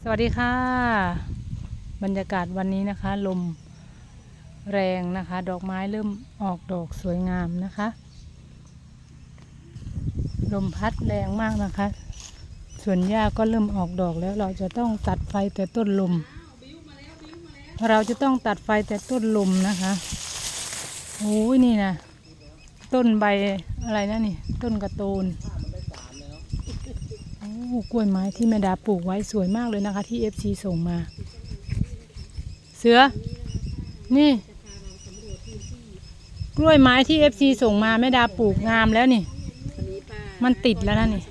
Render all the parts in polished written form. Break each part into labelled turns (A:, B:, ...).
A: สวัสดีค่ะบรรยากาศวันนี้นะคะลมแรงนะคะดอกไม้เริ่มออกดอกสวยงามนะคะลมพัดแรงมากนะคะส่วนหญ้าก็เริ่มออกดอกแล้วเราจะต้องตัดไฟแต่ต้นลมนะคะโอ้ยนี่นะต้นใบอะไรนะนี่ต้นกระโตนกล้วยไม้ที่แม่ดาปลูกไว้สวยมากเลยนะคะที่ FC ส่งมาเสือนี่กล้วยไม้ที่ FC ส่งมาแม่ดาปลูกงามแล้วนี่มันติดแล้วนะนี่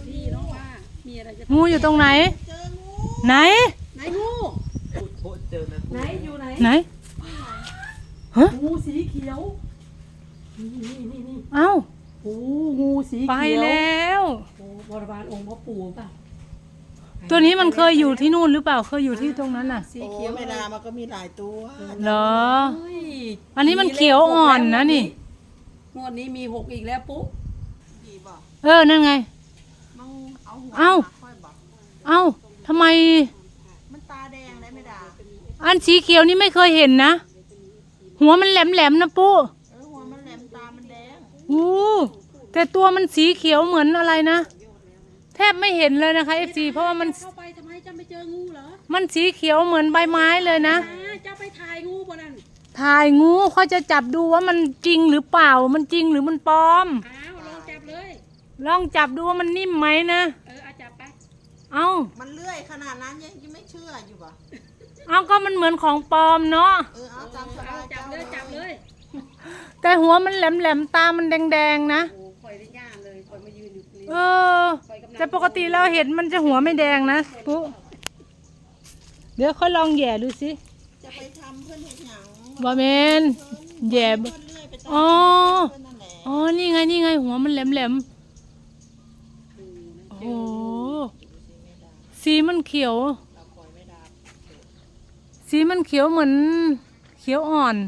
A: งูอยู่ตรงไหนไหน
B: งูไหนอยู่ไหน
A: ไหนฮะ
B: งูสีเขียวนี่
A: เอ้า
B: โอ้งูสีเขียว
A: ไปแล้ว
B: โอ้บริวารองค์พ่อปู่ป่ะ
A: ตัวนี้มันเคยอยู่ที่นู่นหรือเปล่าเคยอยู่ที่ตรงนั้นน่ะ
B: สีเขียว
C: เวลามันก็มีหลายตัว
A: เหรออันนี้มันเขียวอ่อนนะนี่
B: งวดนี้มี6อีกแล้วปุ๊
A: นั่นไงเอ้าทำไม
C: มันตาแดงเลยไม่ด่า
A: อันสีเขียวนี่ไม่เคยเห็นนะหัวมันแหลมๆนะปุ๊
C: หัวมันแหลมตามันแดง
A: แต่ตัวมันสีเขียวเหมือนอะไรนะแทบไม่เห็นเลยนะคะ FC เพราะว่ามัน
B: เข้าไปทำไมจะไม่เจองูเหรอ
A: มันสีเขียวเหมือนใบไม้เลยนะ
B: จะไปถ่ายงูบนนั้น
A: ถ่ายงูเขาจะจับดูว่ามันจริงหรือเปล่ามันจริงหรือมันปลอม
B: ลองจับเลย
A: ลองจับดูว่ามันนิ่มไหมนะ
B: จับไป
C: มันเลื่อยขนาดนั้นยังไม่เชื่ออยู่ป่ะ
A: ก็มันเหมือนของปลอมเนาะ
B: จับเลย
A: แต่หัวมันแหลมๆตามันแดงๆนะ
B: คอยได้ย่าเลยคอยมายืนอยู่
A: แต่ปกติเราเห็นมันจะหัวไม่แดงนะปุ๊เดี๋ยวค่อยลองแย่ดูสิ
C: จะไปทำเพื่อนเห็นหยัง
A: บอเมนแย่นี่ไงหัวมันแหลมโอ้สีมันเขียวเหมือนเขียวอ่อน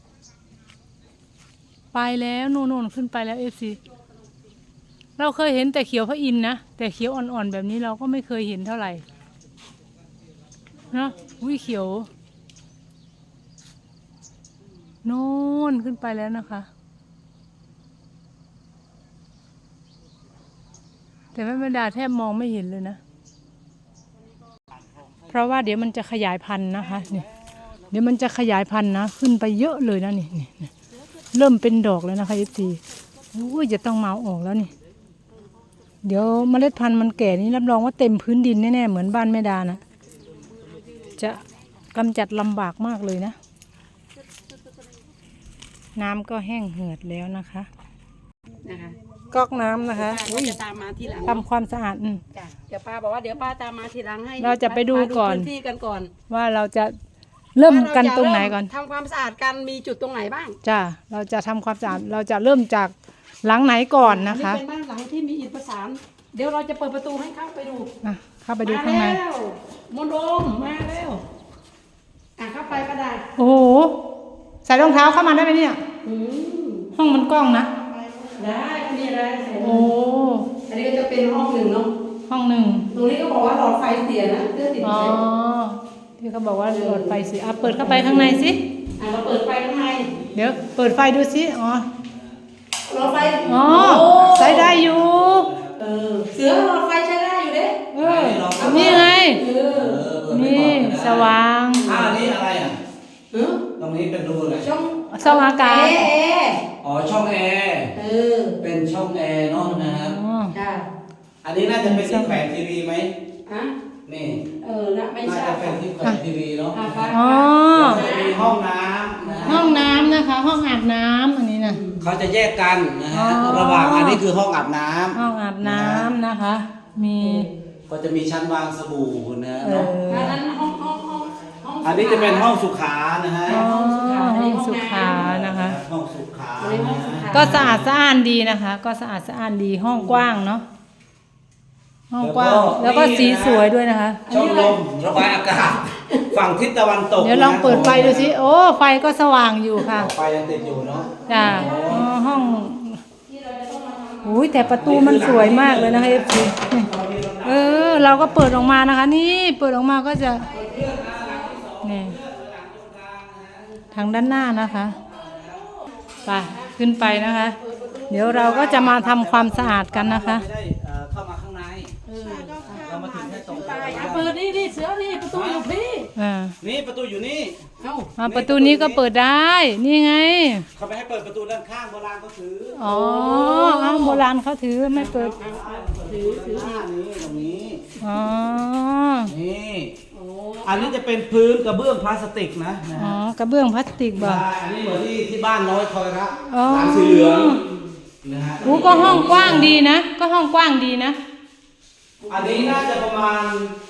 A: ไปแล้วนู่นขึ้นไปแล้ว FC เราเคยเห็นแต่เขียวพระอินทร์นะแต่เขียวอ่อนๆแบบนี้เราก็ไม่เคยเห็นเท่าไหร่นะเขียวโน่นขึ้นไปแล้วนะคะแต่แม่ดาแทบมองไม่เห็นเลยนะเพราะว่าเดี๋ยวมันจะขยายพันธุ์นะคะนี่เดี๋ยวมันจะขยายพันธุ์นะขึ้นไปเยอะเลยนะนี่เริ่มเป็นดอกแล้วนะคะ FC จะต้องมาออกแล้วนี่เดี๋ยวเมล็ดพันธุ์มันแก่นี้รับรองว่าเต็มพื้นดินแน่ๆเหมือนบ้านแม่ดานะจะกำจัดลำบากมากเลยนะน้ำก็แห้งเหือดแล้วนะคะก๊อกน้ำนะคะ
B: จะตามมาทีหลัง
A: ทำความสะอาด
B: เดี๋ยวป้าบอกว่าเดี๋ยวป้าตามมาทีหลังให้
A: เราจะไปดูก่อน
B: ที่กันก่อน
A: ว่าเราจะเริ่มกันตรงไหนก่อน
B: ทำความสะอาดกันมีจุดตรงไหนบ้าง
A: จ้าเราจะทำความสะอาดเราจะเริ่มจากหลังไหนก่อนนะคะ
B: นี่เป็นบ้านหลังที่มีอิฐประสานเดี๋ยวเราจะเปิดประตูให้เข้าไปดู
A: เข้าไปดูข้างใน
B: มนโดมมาแล้วเข้าไปก็ได้
A: โอ้โหใส่รองเท้าเข้ามาได้ไหมเนี่ยห้องมันกว้างนะ
B: ได้มีอะไร
A: โอ้
B: อันนี้ก็จะเป็นห้อง1เนาะ
A: ห้อง1
B: ตรงนี้ก็บอกว่าหลอดไฟเสียนะเพื่อติดไฟ
A: ที่เขาบอกว่าหลอดไฟเสียเปิดเข้าไปข้างในสิ
B: เราเปิดไฟข้างใน
A: เดี๋ยวเปิดไฟดูสิ
B: หลอดไฟ
A: ใช้ได้อยู่
B: เสือหลอดไฟใช้ได้อยู่เด้
A: นี่ไงนี่สว่าง
D: นี่อะไรตรงนี้เป็นรูอะไร
A: ช่องอากาศ
D: ช่องแอร์เป็นช่องแอร์เนาะนะครับอันนี้น่าจะเป็นที่แขวนทีวีไหมนี่
B: ไม่ใช่
D: น่าจะเป็นที่แขวนทีวีเนาะจะมีห้องน้ำ
A: ห้องน้ำนะคะห้องอาบน้ำอันนี้นะ
D: เขาจะแยกกันนะฮะระหว่างอันนี้คือห้องอาบน้ำ
A: ห้องอาบน้ำนะคะมี
D: ก็จะมีชั้นวางสบู่นะ
B: เนาะ
D: อันนี้จะเป็นห้องสุขานะฮะ
A: ห้องสุขานะคะ
D: ห้องสุขา
A: ก็สะอาดสะอ้านดีนะคะก็สะอาดสะอ้านดีห้องกว้างเนาะห้องกว้างแล้วก็สีสวยด้วยนะคะ
D: ช่องลมระบายอากาศฝั่งทิศตะวันตก
A: เดี๋ยวลองเปิดไฟดูสิไฟก็สว่างอยู่ค่ะ
D: ไฟยังติดอยู่เนาะ
A: จ้าห้องแต่ประตูมันสวยมากเลยนะคะ FC โเราก็เปิดออกมานะคะ นี่เปิดออกมาก็จะนี่ทางด้านหน้านะคะไปขึ้นไปนะคะ เดี๋ยวเราก็จะมาทำความสะอาดกันนะคะ
D: ไม่ได้เข้ามาข้างในเรามาถึงแค่ตรง
B: เปิดนี่เสือนี่ประตูอยู่พี่
D: นี่ประตูอยู่นี่
B: เอ้า
A: ประตูนี้ก็เปิดได้ นี่ไง
D: เขาไม่ให้เปิดประตูด้านข้างโบราณเขาถือ
A: อ๋อโบราณเขาถือไม่เปิด
D: ถือหน้านี้ตรงนี้
A: อ๋อ
D: นี่อันนี้จะเป็นพื้นกระเบื้องพลาสติกนะ
A: อ๋อกระเบื้องพลาสติกบ่
D: ใช่อันนี้เหมือนที่บ้านน้อยคอยรัก
A: อ๋อ
D: หลังสีเหลืองนะฮะ
A: ก็ห้องกว้างดีนะ ก็ห้องกว้างดีนะ
D: อันนี้น่าจะประมาณ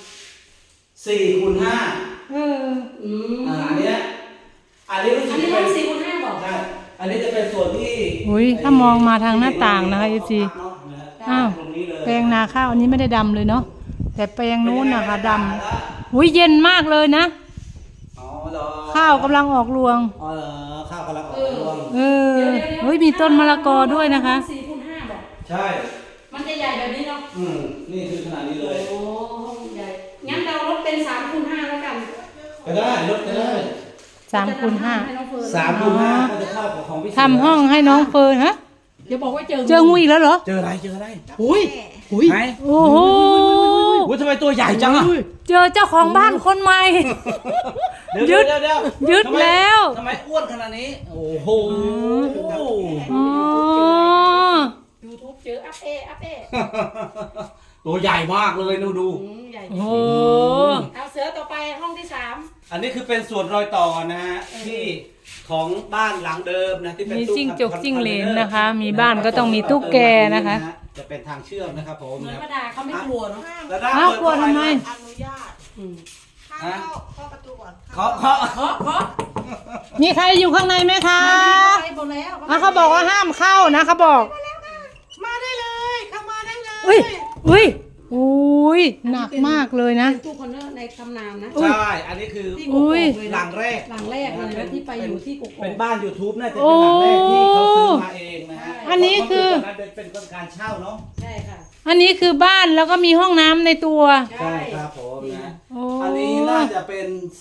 D: 4x5อันเนี้ยอันนี้รู้สึ
B: อั
D: ก
B: นนี้
D: จะ
B: ห้
D: เป็
B: อง
D: น
B: 4x5บอก
D: ใช่อันนี้จะเป็นส่วนที่
A: อุ้ยถ้ามองมาทางหน้าต่างนะคะ FC อ้าว
D: ตรงนี้เลย
A: แปลงนาข้าวอันนี้ไม่ได้ดำเลยเนาะแต่แปลงนู้นนะคะดำอุ้ยเย็นมากเลยนะ
D: อ๋อเหรอ
A: ข้าวกำลังออกรวง
D: อ๋อเหรอข้าวกำลังออกรวง
A: เฮ้ยมีต้นมะละกอด้วยนะคะ
B: 4x5บอก
D: ใช่
B: มันจะใหญ่แบบนี้เนาะ
D: นี่คือขนาดนี้เลย
B: โอ้ห้องใหญ่งั้นเราลดเป็น3x5แล้วกัน
D: ก็ได้ลดก็ได้
A: 3x5
B: ให้น้องเฟิร์น
D: 3x5ก็จะเข้ากับของพี่เสื
A: ทำห้องให้น้องเฟิร์นฮะ
B: เดี๋ยวบอกว่าเจอ
A: เจองูอีกแล้วเหรอ
D: เจออะไรเจออะไร
B: อุ้ย
D: ไหน
A: โอ้โห
D: อุ้ยทำไมตัวใหญ่จังอ่ะ
A: เจอเจ้าของบ้านคนใหม่
D: เดี๋ยว
A: ยึดแล้ว
D: ทำไมอ้วนขนาดนี้ โอ้โห
A: อ๋อ
B: YouTube เจออัพเอ
D: ตัวใหญ่มากเลยดู
B: ใหญ่
A: โอ้โห
B: เอาเสือต่อไปห้องที่3
D: อันนี้คือเป็นส่วนรอยต่อนะฮะที่ของบ้านหลังเดิมนะที่เป็น
A: มี
D: ตู้
A: จิ้งจก
D: คอน
A: จิ้งเหลน
D: ทอร์
A: นะคะ มีบ้านก็ต้องมีตุ๊กแกนะคะ
D: จะเป็นทางเชื่อมนะครับผม
B: เหมือน
D: นะ
B: ป้าดาเขาไม่กลัวเนาะ
D: แล้วด้าน
A: อ้าว
D: เปิด
A: กลัวทำไม
C: อนุญาต
B: อืม
C: เข้าประตูก่อน
D: เคาะ
B: เพราะ
A: มีใครอยู่ข้างในไหมคะ
B: ไปหมดแล้ว
A: เขาบอกว่าห้ามเข้านะเขาบอก
C: มาได้เลยเข้ามาได้เลย
A: อุ้ยอุ้ยอุ้ยหนักมากเลยนะ
B: เป็นตู้คอนเนอร์ในตำนานนะ
D: ใช่ อันนี้คือ
B: ที่
A: อุ้
B: กก
A: ย
B: เลย
D: ห
B: นะ
D: ลังแรก
B: หลังแรกเลยนะที่ไปอยู่ที่กก
D: เป็นบ้าน YouTube น่าจะเป็นหลังแรกที่เขาซื้อมาเองนะฮะ
A: อันนี้คือ
D: ตอนนั้นเป็นการเช่าเนาะ
B: ใช่ค่ะ
A: อันนี้คือบ้านแล้วก็มีห้องน้ำในตัว
D: ใช่ครับผมนะ
A: โอ้
D: อันนี้น่าจะเป็น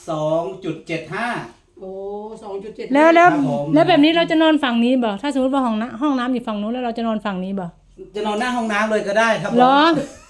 D: 2.75
B: โอ้2.7
A: แล้ว
D: ครับผม
A: แล้วแบบนี้เราจะนอนฝั่งนี้บ่ถ้าสมมติว่าห้องน้ำอยู่ฝั่งนู้นแล้วเราจะนอนฝั่งนี้บ่
D: จะนอนหน้าห้องน้ำเลยก็ได้ครับผม
A: เหรอ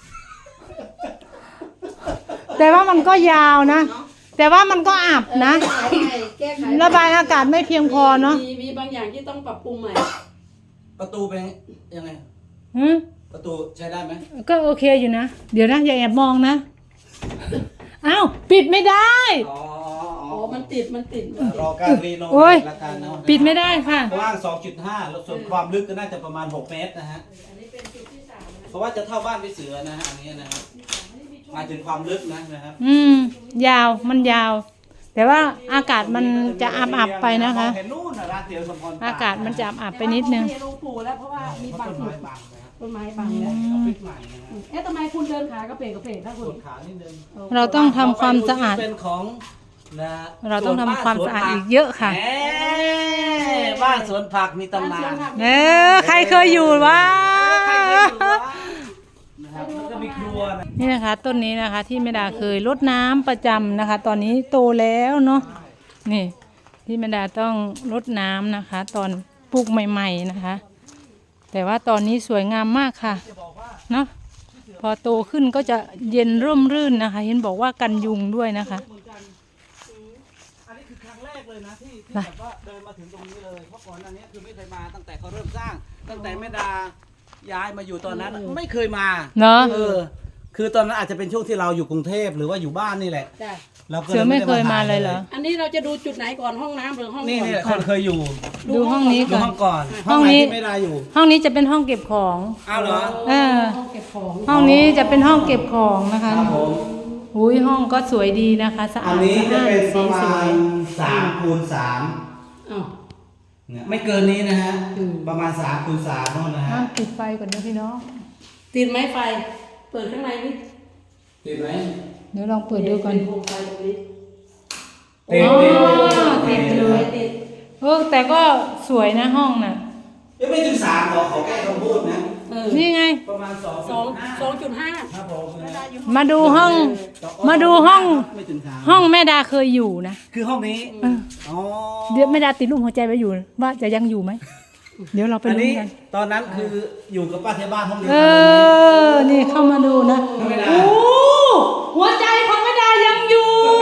A: แต่ว่ามันก็ยาวนะ แต่ว่ามันก็อับนะ
B: แก้ไข
A: ระบายอากาศไม่เพียงพอเนาะ
B: มีบางอย่างที่ต้องปรับปรุงใหม่
D: ประตูเป็นยังไง
A: หึ
D: ประตูใช้ได้ไหม
A: ก็โอเคอยู่นะ เดี๋ยวนะอย่าแอบมองนะอ้าวปิดไม่ได้
D: อ๋อ
B: อ๋อมันติด
D: รอการรีโน
A: โอ้
D: เว
A: ย
D: ทละกันเนาะ
A: ปิดไม่ได้ค่ะ
D: กว้าง 2.5 แล้วส่วนความลึกก็น่าจะประมาณ 6 เมตรนะฮะ
B: อันนี้เป็นจุดที่3นะ
D: เพราะว่าจะเท่าบ้านพี่เสือนะฮะอันนี้นะครับหมายถึงความลึกนะครับ
A: ยาวมันยาว แต่ว่าอากาศมันจะอับๆไปนะคะ
D: เห็นนู่นนะร้านเตี๋ยวสมพร
A: อากาศมันจะอับๆไปนิดนึง
B: แต่ว่าเขาไม่ให้ลงปู่แล้วเพราะว่ามีบาง
D: ต้น
B: จุ
D: ไม้
B: ด
D: บางนะครับ
B: ต้นไม้บางแล้ว
D: เอาพริกใหม่นะฮะ
B: เอ๊ะทำไมคุณเดินขากระเพกถ้าคุณ
D: กดขานิดนึง
A: เราต้องทำความสะอาด
D: เป็นของนะ
A: เราต้องทำความสะอาดอีกเยอะค่ะ
D: แหมบ้านสวนผักมีตำนาน
A: ใครเคยอยู่วะ
D: ใครเคยอยู่วะนะครับแล้วก็มีครัวนะ
A: นี่นะคะ ต้นนี้นะคะ ที่แม่ดาเคยรดน้ำประจำนะคะ ตอนนี้โตแล้วเนาะนี่ที่แม่ดาต้องรดน้ำนะคะ ตอนปลูกใหม่ๆนะคะ แต่ว่าตอนนี้สวยงามมากค่ะเนาะพอโตขึ้นก็จะเย็นร่มรื่นนะคะ เห็นบอกว่ากันยุงด้วยนะคะ
D: อันนี้คือครั้งแรกเลยนะที่แบบว่าเดินมาถึงตรงนี้เลยเพราะก่อนอันนี้คือไม่เคยมาตั้งแต่เขาเริ่มสร้าง ตั้งแต่แม่ดาย้ายมาอยู่ตอนนั้นไม่เคยมา
A: เนาะ
D: คือตอนนั้นอาจจะเป็นช่วงที่เราอยู่กรุงเทพหรือว่าอยู่บ้านนี่แหละ
B: จ้ะ
D: เราก็
A: เสือไม่เคยมาเลยเหรอ
B: อันนี้เราจะดูจุดไหนก่อนห้องน้ำหรือห้อง
D: นี่
B: ก่อน
D: นี่คนเคยอยู่
A: ดูห้องนี้
D: ดู
A: ก่อน
D: ห้องก่อน
A: ห้องนี้
D: ไหที่ไม่ได้อยู่
A: ห้องนี้จะเป็นห้องเก็บของ
D: อ้าวเหรอ
A: เออ
B: ห้องเก็บของ
A: ห้องนี้จะเป็นห้องเก็บของนะคะ
D: ครับผม
A: อุ้ยห้องก็สวยดีนะคะสะ
D: อั
A: อาน ด
D: นี้
A: สะ
D: จะ
A: อาด
D: เป็นป
A: สี
D: ระ
A: ส
D: มา
A: วย
D: ณ3 x
B: อ้าว
D: 3เนี่ยไม่เกินนี้นะฮะประมาณ3 x 3นู่นนะฮะ
A: ปิดไฟก่อนนะพี่น้อง
B: ติดไหมไฟ เปิดข้างในนี่
D: ติดไหม
A: เดี๋ยวลองเปิดดูก่อน
B: โคมไฟตรงนี้
D: ติด
A: อ๋อ
D: ติด
A: ติดเลย
B: ติด
A: แต่ก็สวยนะห้องน่ะ
D: ยังไม่ถึง3ขอแก้คำพูดนะ
B: เออ
A: นี่ไง
D: ประมาณ
B: 2.5
D: ครับผม
A: มาดูห้อง มาดูห้อง
D: ไม่ถึงสาม
A: ห้องแม่ดาเคยอยู่นะ
D: คือห้องนี้อ๋อ
A: เดี๋ยวแม่ดาติดรูปหัวใจไว้อยู่ว่าจะยังอยู่ไหม เดี๋ยวเราไป
D: อัน
A: ลุ้น
D: นี้
A: กัน
D: ตอนนั้นคืออยู่กับป้าเทบ้านห้องเดียว
A: เอ
D: กันเลยไหม
A: อ นี่เข้ามาดูนะ
D: ไม่ได้
A: โอ้หัวใจของแม่ดายังอยู่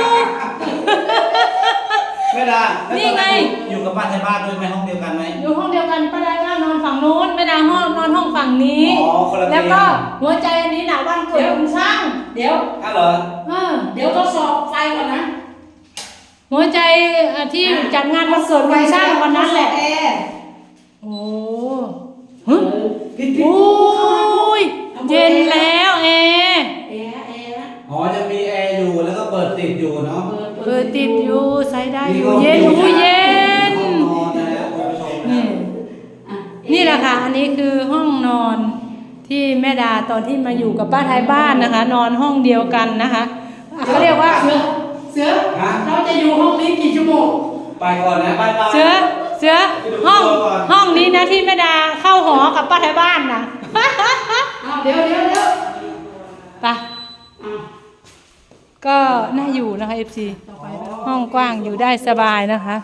D: ไม่ได้แล้ว
A: นี่ไง
D: อยู่กับป้าเทบ้านด้วยไหมห้องเดียวกันไหม
A: อยู่ห้องเดียวกันป้าดาก็นอนฝั่งโน้นแม่ดาห้องนอนห้องฝั่งนี้
D: อ๋อคนละเตียง
A: แล้วก็หัวใจอันนี้น่ะวันเกิดคุณช่าง
B: เดี๋ยว
D: อ้าวเหรอ
A: เออ
B: เดี๋ยวทดสอบไฟก่อนนะ
A: หัวใจที่จัดงานวันเกิดคุณช่างวันนั้นแหละ
B: แอร์
A: โอ้ฮะโอ้ยเย็นแล้วแอร์
B: แอร์นะ
D: อ๋อจะมีแอร์อยู่แล้วก็เปิดติดอยู่เนาะ
A: เปิดติดอยู่ใส่ได้อยู่เย็นอู้เย็น
D: ห้องนอนนะครับคุณผู้ชมนะ
A: นี่ นี่แหละค่ะ อันนี้คือห้องนอนที่แม่ดาตอนที่มาอยู่กับป้าไทยบ้านนะคะ นอนห้องเดียวกันนะคะเขาเรียกว่า
B: เสือ
D: ฮะ
B: เราจะอยู่ห้องนี้กี่ชั่วโมง
D: ไปก่อนนะไปไป
A: เสือห้องนี้นะที่แม่ดาเข้าหอกับป้าไทยบ้านนะ
B: เดี๋ยว
A: ไปก็น่าอยู่นะคะ FC ห้องกว้างอยู่ได้สบายนะคะ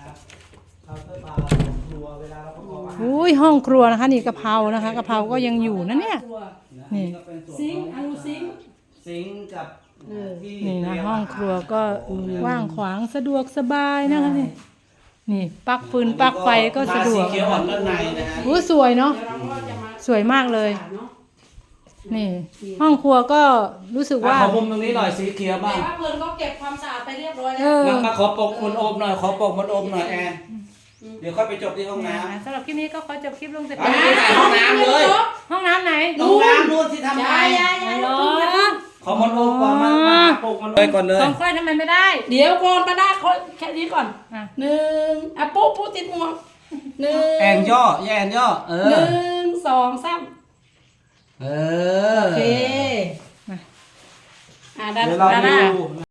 A: อุ้ยห้องครัวนะคะ นี่กะเพรานะคะกะเพราก็ยังอยู่นะเนี่ย นี่
B: ซิงค์อนุซิงค์
D: ซิงค์กับที่
A: นี่นะ
D: เตรียม
A: ห้องครัวก็กว้างขวางสะดวกสบายนะคะนี่นี่ปลั๊กฟืนปลั๊กไฟก็สะดวก
D: สีเขียวอ่อนด้านในนะฮะ
A: โอ้สวยเนาะ
B: เดี๋ยวเราก็จะมา
A: สวยมากเลย
B: เนาะ
A: นี่ ห้องครัวก็รู้สึกว่า
D: ขอมุมตรงนี้หน่อยสีเขียว
B: แต่
D: บ้าง
B: ว่าเพื่อนก็เก็บความสะอาดไปเรียบร้อยแล้
A: เอ
B: ว
A: อ
D: มาขอปกมันโอมหน่อยขอปกมันโอมหน่อยแอนเดี๋ยวค่อยไปจบที่ห้องน้ำ
A: สำหรับคลิปนี้ก็ขอจบคลิปลงแต่
D: เอาไปถ่ายห้องน้ำเลย
A: ห้องน้ำไหน
D: ห้องน้ำนู่นที่ทำไง
A: เหรอ
D: ขอมันโอมก่อนมาปกมันเลยก่อนเลย
A: ของค่อยทำไมไม่ได้
B: เดี๋ยวก่อนป้าดาขอแค่นี้ก่อน
A: อ่ะ
B: 1อ่ะปุ๊ติดหมวก1
D: แอนย่อแอนย่อเออ
B: 1 2 3
D: เออ
B: โอเคอ่ะด้าน
D: เดี๋ยวเรา
B: ด้านหน้า
D: ดู